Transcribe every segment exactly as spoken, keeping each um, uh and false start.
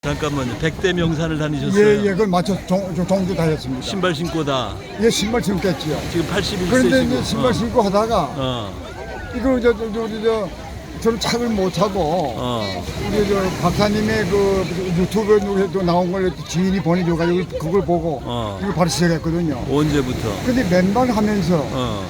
잠깐만요. 백대 명산을 다니셨어요? 예, 예, 그걸 맞춰 종, 종주 다 했습니다. 신발 신고 다. 예, 신발 신겠지요. 지금 팔십일 세시고. 그런데 이제 신발 어. 신고 하다가, 어. 이거, 저, 저, 저, 저, 저, 저는 착을 못 하고, 어. 우리 저 박사님의 그 유튜브에도 나온 걸 지인이 보내줘가지고 그걸 보고, 어. 이거 바로 시작했거든요. 언제부터? 근데 맨발 하면서, 어.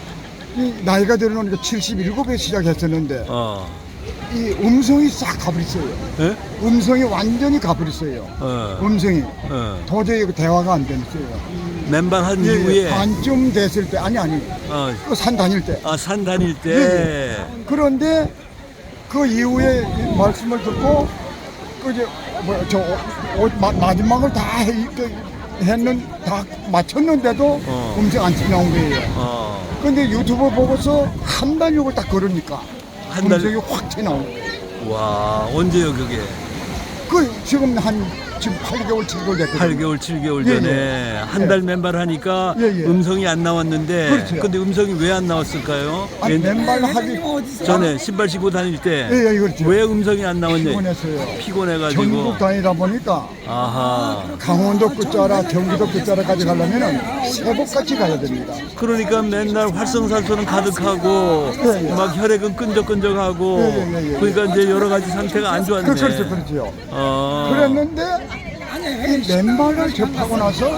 이 나이가 들어오니까 칠십칠에 시작했었는데, 어. 이 음성이 싹 가버렸어요. 예? 음성이 완전히 가버렸어요. 어. 음성이. 어. 도저히 그 대화가 안 됐어요. 맨발 한 예, 이후에. 반쯤 됐을 때, 아니, 아니, 어. 그 산 다닐 때. 아, 산 다닐 때. 예, 그런데 그 이후에 이 말씀을 듣고, 그, 이제, 뭐, 저, 어, 마, 마지막을 다 해, 그, 했는, 다 맞췄는데도 어. 음성 안 나온 거예요. 어. 근데 유튜브 보고서 한 달 욕을 딱 걸으니까 한 달. 음성이 확 튀어나온 거예요. 와, 언제요, 그게? 그, 지금 한, 지금 팔 개월, 칠 개월 됐거든요. 팔 개월, 칠 개월 예, 전에 예. 한 달 맨발 하니까 예, 예. 음성이 안 나왔는데. 그렇죠. 근데 음성이 왜 안 나왔을까요? 아니, 왠- 맨발 하기 전에 신발 신고 다닐 때. 예, 예, 그렇죠. 왜 음성이 안 나왔냐? 피곤했어요. 피곤해가지고. 전국 다니다 보니까 아하. 강원도 끝자락, 경기도 끝자락까지 가려면 새벽같이 가야 됩니다. 그러니까 맨날 활성산소는 가득하고 예, 예. 막 혈액은 끈적끈적하고 예, 예, 예, 예. 그러니까 이제 여러 가지 상태가 안 좋았네. 그, 그렇죠, 그렇죠. 어. 그랬는데 이 맨발을 접하고 나서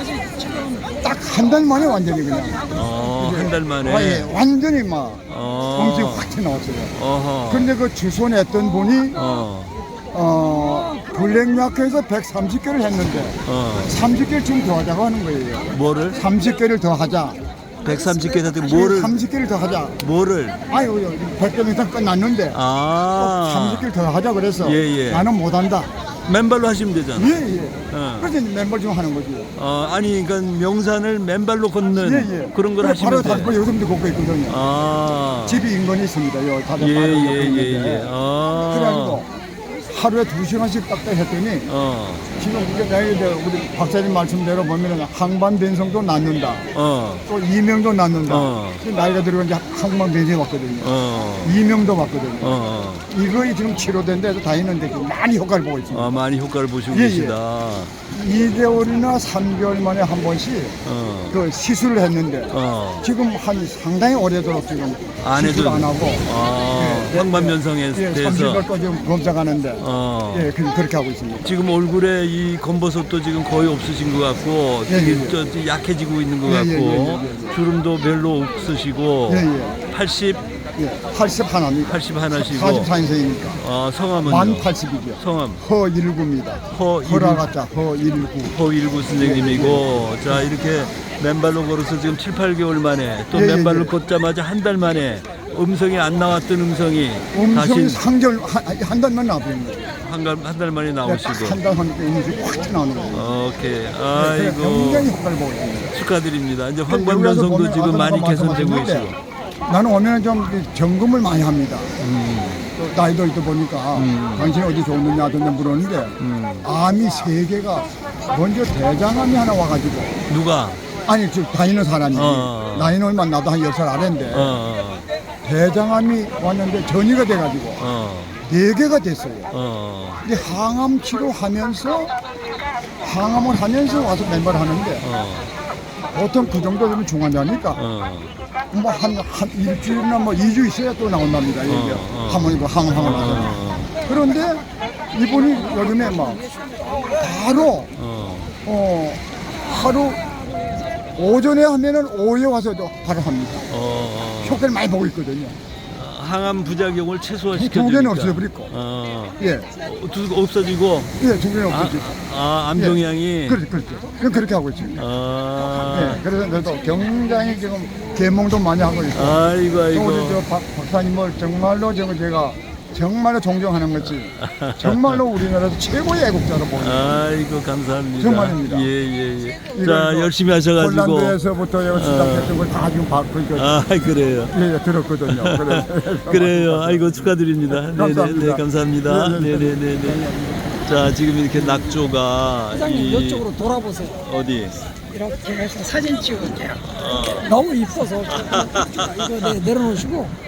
딱 한 달 만에 완전히 그냥 어, 한 달 만에. 아, 예, 완전히 막 어. 음식이 확 튀어나왔어요. 어허. 근데 그 주소냈던 분이 어. 어, 블랙마크에서 백삼십 개를 했는데 어. 삼십 개를 좀 더 하자고 하는 거예요. 뭐를? 삼십 개를 더 하자. 백삼십 개 사태 뭐를? 삼십 개를 더 하자. 뭐를? 아유, 백 개 이상 끝났는데 아. 삼십 개를 더 하자 그래서 예, 예. 나는 못한다. 맨발로 하시면 되잖아. 예, 예. 어. 그래서 이제 맨발 좀 하는 거지. 어, 아니 그러니까 명산을 맨발로 걷는 예, 예. 그런 걸 그래, 하시면 바로 돼. 다섯 번 요즘도 걷고 있거든요. 아. 집이 인근에 있습니다. 요 다들 예, 바로 옆에 예, 예, 있는데. 예. 아. 그래가지고 하루에 두 시간씩 딱딱 했더니 어. 지금 이게 내가 이제 우리 박사님 말씀대로 보면은 항반 변성도 낫는다. 어. 또 이명도 낫는다. 어. 그 나이가 들어가 이제 항반 변성이 왔거든요. 어. 이명도 왔거든요. 어. 이거에 지금 치료된 데서 다니는데 많이 효과를 보고 있습니다. 아, 많이 효과를 보시고 예, 예. 계시다. 이 개월이나 삼 개월 만에 한 번씩 어. 그 시술을 했는데 어. 지금 한 상당히 오래도록 지금 안 시술 해도- 안 하고 아, 예, 황반변성에 예, 대해서. 삼십 개월 지금 검사가는데 어. 예, 그- 그렇게 하고 있습니다. 지금 얼굴에 이 검버섯도 지금 거의 없으신 것 같고 예, 되게 예, 예. 저, 저 약해지고 있는 것 예, 같고 예, 예, 예, 예. 주름도 별로 없으시고 예, 예. 팔십, 예, 팔십 하나입니다. 팔십 하나시고 사십사 인생이니까 어, 성함은요? 만 팔십이죠. 성함 허일구입니다. 허일구. 허라가자 허일구. 허일구 선생님이고 자 이렇게 맨발로 걸어서 지금 칠, 팔 개월 만에 또 예, 예, 맨발로 예. 걷자마자 한 달 만에 음성이 안 나왔던 음성이 음성이 다시 상절 한, 한 달만 나버린 거예요. 한 달 만에 나오시고 한달 하니까 음식이 확 튀어나오는 거예요. 오케이 그래서 아이고 굉장히 효과를 보고 있습니다. 축하드립니다. 이제 여기서 황반변성도 보면 지금 아까 많이 개선되고 말씀하셨는데 계시고 나는 오면은 좀 점검을 많이 합니다. 음, 또 나이도 있다 보니까 음. 당신이 어디 좋느냐 하던데 물었는데 음. 암이 세 개가 먼저 대장암이 하나 와가지고 누가 아니 지금 다니는 사람이 어. 나이는 얼마 나도 한 열 살 아래인데 어, 대장암이 왔는데 전이가 돼가지고 어, 네 개가 됐어요. 어, 근데 항암 치료하면서 항암을 하면서 와서 맨발을 하는데 어, 보통 그 정도 되면 중환자니까 어, 뭐 한 한 일주일이나 뭐 이 주 있어야 또 나온답니다. 이게 어. 한번 이거 항암하고 나서. 어, 그런데 이분이 요즘에 막 바로 어, 어 하루 오전에 하면은 오후에 와서도 바로 합니다. 어, 효과를 많이 보고 있거든요. 항암 부작용을 최소화시켜 두 주니까 개는 없어버리고. 어, 예, 두 없어지고 예, 두 개는 아, 없어지고. 아 암종양이 그렇죠, 그렇죠. 그럼 그렇게 하고 있습니다. 아, 예, 그래서 저도 굉장히 지금 계몽도 많이 하고 있고. 아이고 또 우리 아이고 저 박, 박사님을 정말로 제가, 제가 정말로 존경하는 거지. 정말로 우리나라에서 최고의 애국자로 보입니다. 아이고 감사합니다. 정말입니다. 예예예. 이걸 자 뭐 열심히 하셔가지고. 폴란드에서부터 여기 시작했던 걸 다 지금 받고 있거든요. 아 그래요. 예, 예, 들었거든요. 그래. 그래요. 아이고 축하드립니다. 네네 감사합니다. 네, 감사합니다. 네, 네, 네. 네네네네. 자 지금 이렇게 낙조가 사장님 이- 이쪽으로 돌아보세요. 어디? 이렇게 해서 사진 찍을게요. 어. 너무 이뻐서 이거 내, 내려놓으시고